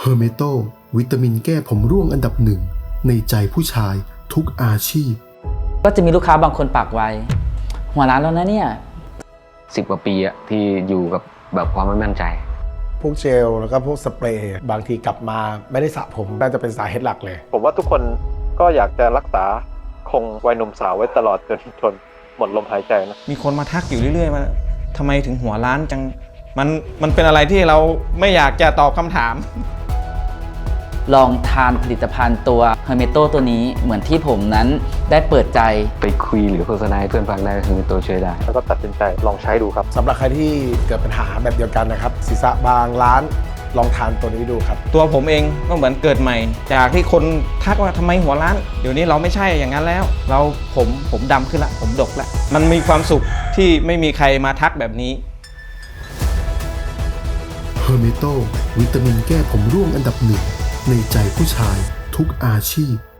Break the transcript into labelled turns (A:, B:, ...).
A: เฮอร์เมโตวิตามินแก้ผมร่วงอันดับหนึ่งในใจผู้ชายทุกอาชีพ
B: ก็จะมีลูกค้าบางคนปากไวหัวร้านแล้วนะเนี่ย
C: 10 กว่าปีอะที่อยู่กับแบบความไม่มั่นใจ
D: พวกเจลแล้วก็พวกสเปรย์บางทีกลับมาไม่ได้สระผมน่าจะเป็นสาเหตุหลักเลย
E: ผมว่าทุกคนก็อยากจะรักษาคงวัยหนุ่มสาวไว้ตลอดจนหมดลมหายใจนะ
F: มีคนมาทักอยู่เรื่อยๆว่าทำไมถึงหัวล้านจังมันเป็นอะไรที่เราไม่อยากจะตอบคำถาม
B: ลองทานผลิตภัณฑ์ตัวเฮอร์เมโตตัวนี้เหมือนที่ผมนั้นได้เปิดใจ
C: ไปคุยหรือโฆษณาให้เพื่อนฟังได้ก็คือตัวช่วยได้
E: แล้วก็ตัดสินใจลองใช้ดูครับ
D: สำหรับใครที่เกิดปัญหาแบบเดียวกันนะครับศีรษะบางล้านลองทานตัวนี้ดูครับ
F: ตัวผมเองก็เหมือนเกิดใหม่จากที่คนทักว่าทำไมหัวล้านเดี๋ยวนี้เราไม่ใช่อย่างนั้นแล้วผมดำขึ้นละผมดกละมันมีความสุขที่ไม่มีใครมาทักแบบนี้
A: เฮอร์เมโตวิตามินแก้ผมร่วงอันดับหนึ่งในใจผู้ชายทุกอาชีพ